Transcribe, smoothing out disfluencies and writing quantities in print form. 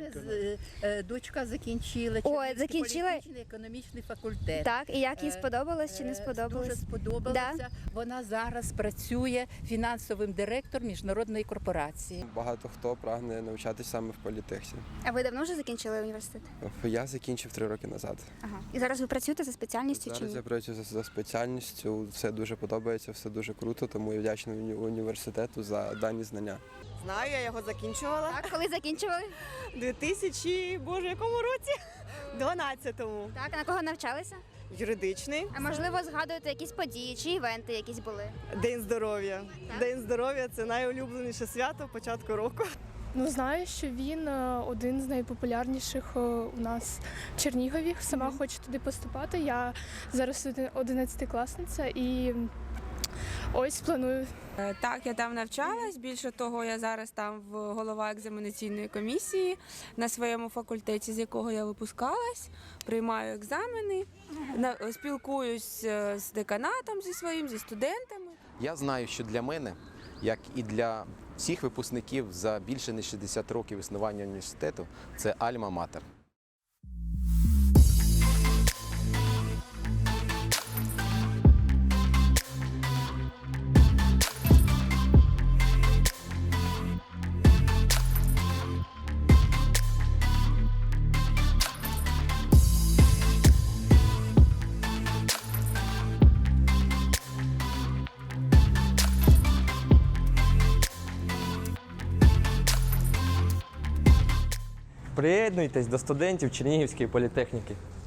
дочка закінчила політичний економічний факультет. Так, і як їй сподобалось чи не сподобалось? Дуже сподобалося. Да? Вона зараз працює фінансовим директором міжнародної корпорації. Багато хто прагне навчатися саме в політехні. А ви давно вже закінчили університет? Я закінчив 3 роки назад. Ага. І зараз ви працюєте за спеціальністю чи Зараз ні? я працюю за спеціальністю, все дуже подобається, все дуже круто, тому я вдячний університету за дані знання. Знаю, я його закінчувала. Так, коли закінчували? У 2000, якому році? 12-му. Так, а на кого навчалися? Юридичний. А можливо, згадуєте якісь події чи івенти якісь були? День здоров'я. День здоров'я – це найулюбленіше свято початку року. Ну, знаю, що він один з найпопулярніших у нас в Чернігові. Сама хочу туди поступати. Я зараз 11-класниця і ось планую. Так, я там навчалась. Більше того, я зараз там голова екзаменаційної комісії на своєму факультеті, з якого я випускалась, приймаю екзамени, спілкуюсь з деканатом зі студентами. Я знаю, що для мене, як і для всіх випускників за більше ніж 60 років існування університету, це альма-матер. Приєднуйтесь до студентів Чернігівської політехніки.